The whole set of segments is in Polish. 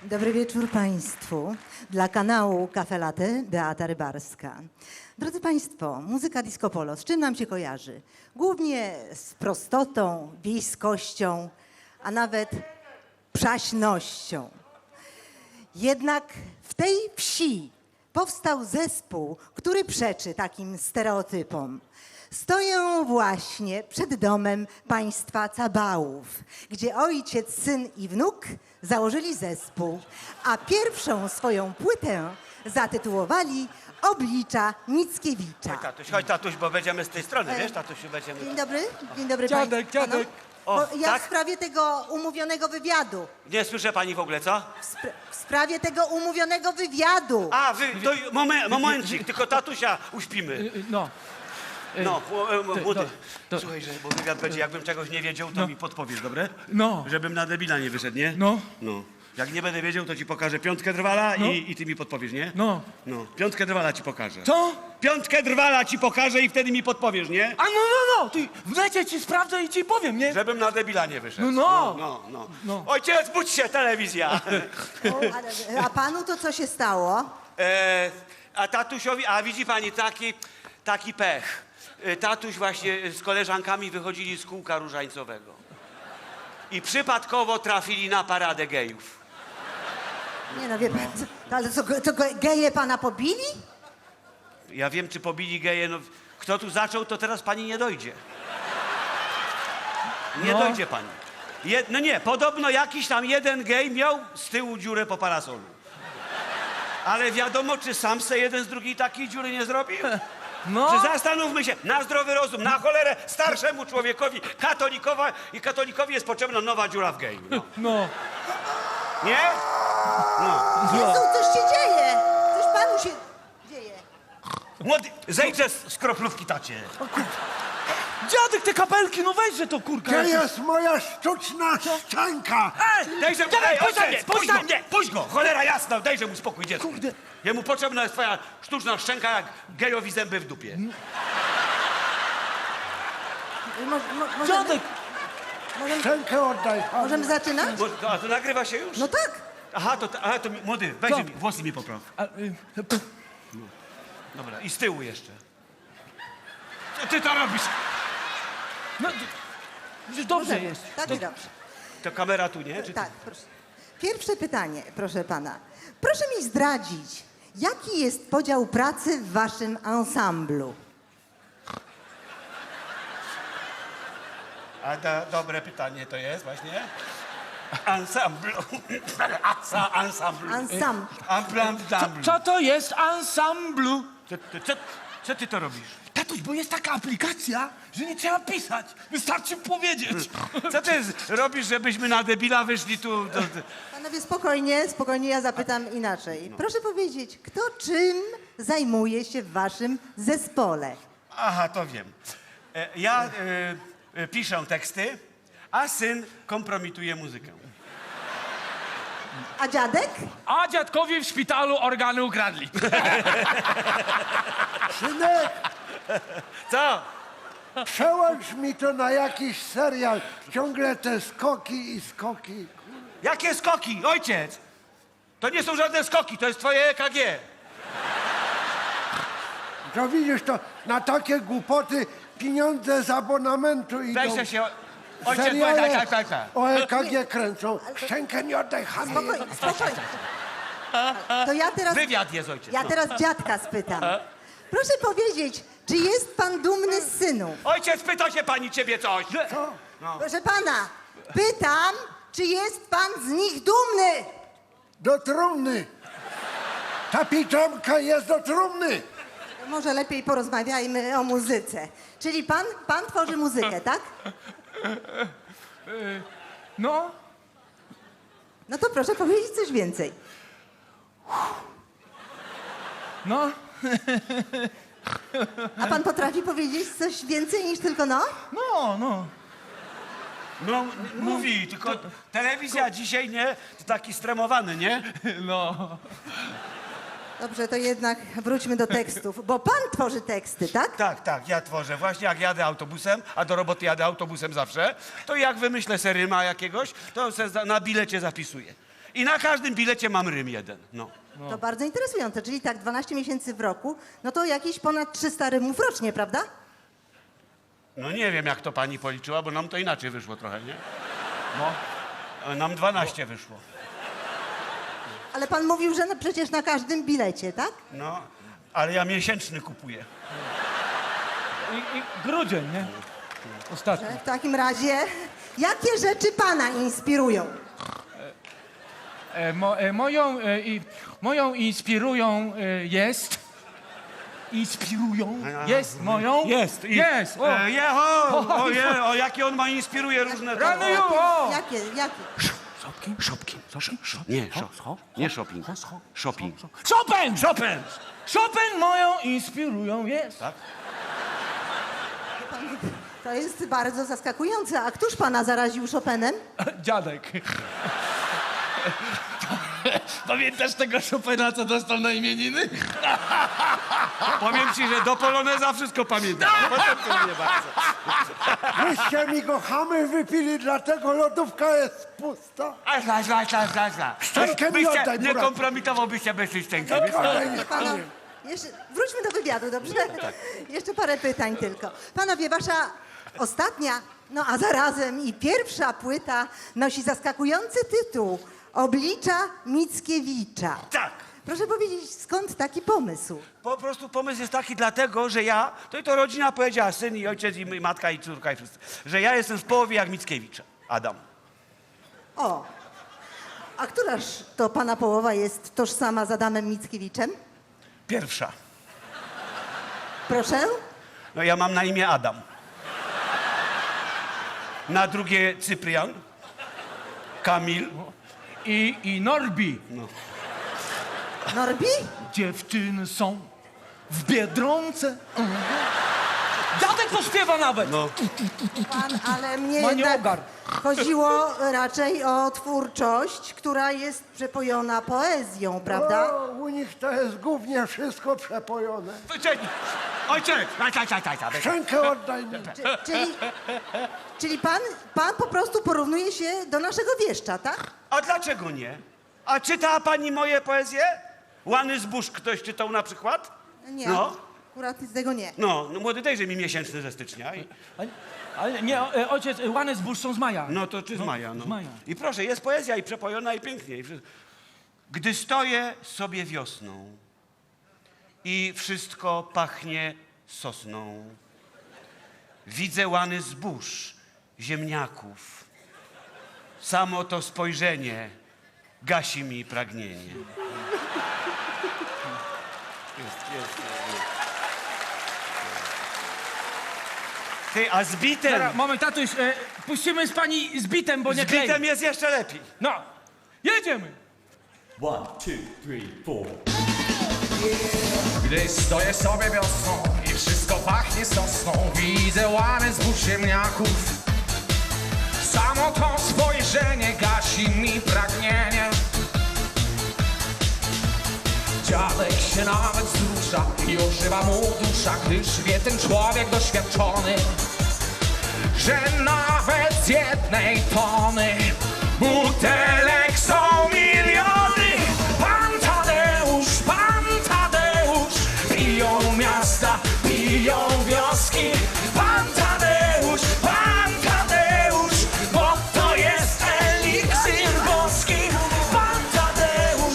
Dobry wieczór Państwu. Dla kanału Cafe Latte Beata Rybarska. Drodzy Państwo, muzyka disco polo, z czym nam się kojarzy? Głównie z prostotą, wiejskością, a nawet przaśnością. Jednak w tej wsi powstał zespół, który przeczy takim stereotypom. Stoję właśnie przed domem państwa Cabałów, gdzie ojciec, syn i wnuk założyli zespół, a pierwszą swoją płytę zatytułowali Oblicza Mickiewicza. Chodź tatuś, bo będziemy z tej strony, wiesz, tatusiu, będziemy... Dzień dobry Dziadek, Państwu. dziadek. O, Bo ja tak? w sprawie tego umówionego wywiadu. Nie słyszę pani w ogóle, co? W sprawie tego umówionego wywiadu. A, to momencik, tylko tatusia uśpimy. No. No, młody, to- słuchaj, bo wywiad będzie, jakbym czegoś nie wiedział, to mi podpowiesz, dobre? No. Żebym na debila nie wyszedł, nie? No. No. Jak nie będę wiedział, to ci pokażę piątkę drwala i ty mi podpowiesz, nie? No. No, piątkę drwala ci pokażę. Co? Piątkę drwala ci pokażę i wtedy mi podpowiesz, nie? A no, ty w necie ci sprawdzę i ci powiem, nie? Żebym na debila nie wyszedł. No. No. Ojciec, budź się, telewizja! A panu to co się stało? A tatusiowi, a widzi pani, taki pech. Tatuś właśnie z koleżankami wychodzili z kółka różańcowego. I przypadkowo trafili na paradę gejów. Nie no, wie pan, ale co geje pana pobili? Ja wiem, czy pobili geje, no kto tu zaczął, to teraz pani nie dojdzie. Nie No. dojdzie pani. No nie, podobno jakiś tam jeden gej miał z tyłu dziurę po parasolu. Ale wiadomo, czy sam se jeden z drugiej takiej dziury nie zrobił? No. Czy zastanówmy się, na zdrowy rozum, na cholerę starszemu człowiekowi, katolikowi jest potrzebna nowa dziura w geju. No. No. Nie? No. Jezu, coś się dzieje! Coś panu się dzieje. Młody, zejdź z kroplówki, tacie. Dziadek, te kapelki, no weźże to, kurka. Gdzie jest moja sztuczna szczęka? Dejże mu, dziadek, puść go, nie, puść go, cholera jasna, dejże mu spokój, dziecko. Kurde. Jemu potrzebna jest twoja sztuczna szczęka, jak gejowi zęby w dupie. Dziadek. Szczękę oddaj. Możemy zaczynać? A to nagrywa się już? No tak. Aha, to młody, weź Co? mi, włosy mi popraw. Dobra, i z tyłu jeszcze. Co ty to robisz? No, dobrze jest. Tak i dobrze. To kamera tu, nie? Czy Tak, proszę. Pierwsze pytanie, proszę pana. Proszę mi zdradzić, jaki jest podział pracy w waszym ansamblu? Dobre pytanie to jest właśnie. Ansamblu. Ansamblu. Ansambl. Co to jest ansamblu? Co ty to robisz? Tatuś, bo jest taka aplikacja, że nie trzeba pisać. Wystarczy powiedzieć. Co ty robisz, żebyśmy na debila wyszli tu? Panowie, spokojnie, ja zapytam inaczej. Proszę powiedzieć, kto czym zajmuje się w waszym zespole? Aha, to wiem. Ja piszę teksty, a syn kompromituje muzykę. A dziadek? A dziadkowi w szpitalu organy ukradli. Synek, Co? przełącz mi to na jakiś serial. Ciągle te skoki i skoki. Jakie skoki? Ojciec! To nie są żadne skoki, to jest twoje EKG. To widzisz, to na takie głupoty pieniądze z abonamentu idą. Weź się... Ojciec, Seriale tak. o EKG kręcą. Szczękę nie oddaj, chamie. Spokojnie. To ja teraz... Wywiad jest, ojciec. Ja no. teraz dziadka spytam. Proszę powiedzieć, czy jest pan dumny z synów? Ojciec, pyta się pani ciebie coś. Co? Proszę pana, pytam, czy jest pan z nich dumny? Do trumny. Ta piżamka jest do trumny. Może lepiej porozmawiajmy o muzyce. Czyli pan tworzy muzykę, tak? No. No to proszę powiedzieć coś więcej. No. A pan potrafi powiedzieć coś więcej niż tylko no? No. No, mówi, tylko telewizja dzisiaj, nie? To taki stremowany, nie? No. Dobrze, to jednak wróćmy do tekstów, bo pan tworzy teksty, tak? Tak, ja tworzę. Właśnie jak jadę autobusem, a do roboty jadę autobusem zawsze, to jak wymyślę se ryma jakiegoś, to se na bilecie zapisuję. I na każdym bilecie mam rym jeden. No. To bardzo interesujące, czyli tak 12 miesięcy w roku, no to jakieś ponad 300 rymów rocznie, prawda? No nie wiem, jak to pani policzyła, bo nam to inaczej wyszło trochę, nie? No. Nam 12 wyszło. Ale pan mówił, że przecież na każdym bilecie, tak? No, ale ja miesięczny kupuję. I grudzień, nie? Ostatni. W takim razie, jakie rzeczy pana inspirują? Moją inspirują jest moją? Jest. Jest, o. Jakie on ma inspiruje różne... Rany ju, o! Jakie? Nie shopping. Shopping. Chopin moją inspirują jest. Tak? To jest bardzo zaskakujące. A któż pana zaraził Chopinem? Dziadek. Pamiętasz tego Chopina, co dostał na imieniny? Powiem ci, że do Poloneza wszystko pamiętam. Potem to nie bardzo. Wyście mi go chamy wypili, dlatego lodówka jest pusta. Szczękę mi oddaj, Nie buraku. kompromitowałbyś się bez tej szczęki. Proszę pana, jeszcze, wróćmy do wywiadu, dobrze? Jeszcze parę pytań tylko. Panowie, wasza ostatnia, no a zarazem i pierwsza płyta nosi zaskakujący tytuł Oblicza Mickiewicza. Tak. Proszę powiedzieć, skąd taki pomysł? Po prostu pomysł jest taki dlatego, że ja, to rodzina powiedziała, syn i ojciec i matka i córka i wszyscy, że ja jestem w połowie jak Mickiewicz, Adam. O, a któraż to pana połowa jest tożsama z Adamem Mickiewiczem? Pierwsza. Proszę? No ja mam na imię Adam. Na drugie Cyprian. Kamil. I Norbi. Norbi? Dziewczyny są w Biedronce. Dziadek to śpiewa nawet. No. Pan, ale mnie Ma jednak ogar. chodziło raczej o twórczość, która jest przepojona poezją, prawda? O, u nich to jest głównie wszystko przepojone. Ojciec! Szczękę oddaj mi. Czyli pan po prostu porównuje się do naszego wieszcza, tak? A dlaczego nie? A czytała pani moje poezje? Łany zbóż ktoś czytał na przykład? Nie, No. akurat z tego nie. No młody dejże mi miesięczny ze stycznia. Ale nie, ojciec, łany zbóż są z maja. No to czy z maja, no. z maja. I proszę, jest poezja i przepojona i pięknie. Gdy stoję sobie wiosną i wszystko pachnie sosną, widzę łany zbóż, ziemniaków. Samo to spojrzenie gasi mi pragnienie. Jest. Ty, a z bitem? Teraz, moment, tatuś, puścimy z pani z bitem, bo nie Z bitem klei. jest jeszcze lepiej. No, jedziemy. 1, 2, 3, 4. Gdy stoję sobie wiosną i wszystko pachnie sosną, widzę łany zbóż ziemniaków. Samo to spojrzenie gasi mi pragnienie. Dziadek się nawet wzrusza i ożywa mu dusza, gdyż wie ten człowiek doświadczony, że nawet z jednej tony butelek są miliony. Pan Tadeusz, piją miasta, piją wioski. Pan Tadeusz, bo to jest eliksir boski. Pan Tadeusz,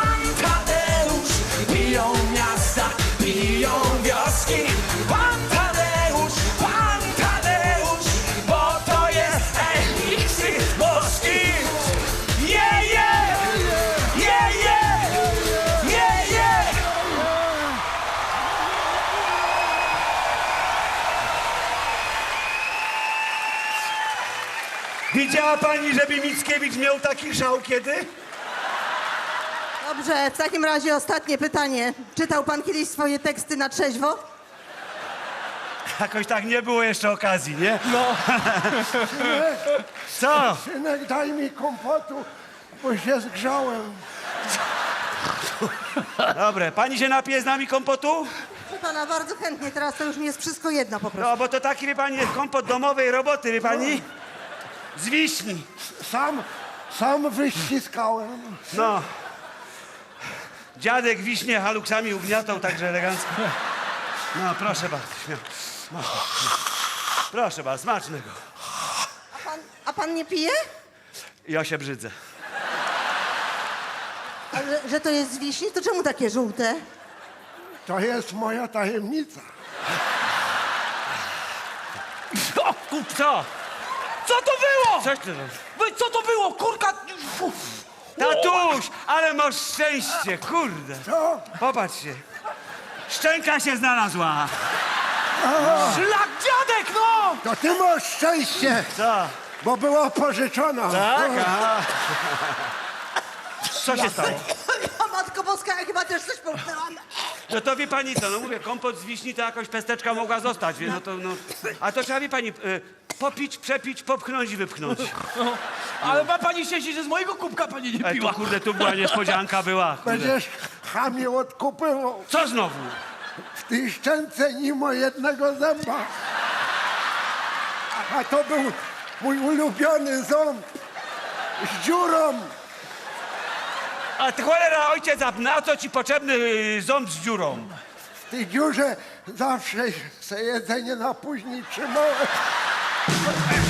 piją miasta, piją wioski. Pan Tadeusz, bo to jest eliksir boski. Widziała pani, żeby Mickiewicz miał taki żał kiedy? Dobrze, w takim razie ostatnie pytanie. Czytał pan kiedyś swoje teksty na trzeźwo? Jakoś tak nie było jeszcze okazji, nie? No, Co? Synek, daj mi kompotu, bo się zgrzałem. Dobre, pani się napije z nami kompotu? Proszę pana, bardzo chętnie, teraz to już mi jest wszystko jedno po prostu. No, bo to taki, wie pani, jest kompot domowej roboty, wie pani? Z wiśni. Sam wyściskałem. No. Dziadek wiśnie haluksami ugniatał także elegancko. No, proszę bardzo. śmiało. No. Proszę bardzo, smacznego. A pan nie pije? Ja się brzydzę. A że to jest z wiśni, to czemu takie żółte? To jest moja tajemnica. O, Co? co to było? Coś ty robisz? Wy, co to było? Kurka... Tatuś, ale masz szczęście, kurde. Co? Popatrzcie. Szczęka się znalazła. Szlak dziadek, no! To ty masz szczęście, Co? bo była pożyczona. Tak? Aha. Co się stało? O, Matko Boska, ja chyba też coś połknęłam. No to wie pani co, no mówię, kompot z wiśni to jakoś pesteczka mogła zostać, wie, no to no. A to trzeba, wie pani, popić, przepić, popchnąć i wypchnąć. No, ale ma pani szczęście, że z mojego kubka pani nie Ej, piła. to kurde, tu była niespodzianka, była. Kurde. Będziesz chamie odkupywał. Co znowu? W tej szczęce nie ma jednego zęba. A to był mój ulubiony ząb z dziurą. A ty cholera, ojciec, a na co ci potrzebny ząb z dziurą? W tej dziurze zawsze se jedzenie na później trzymałem.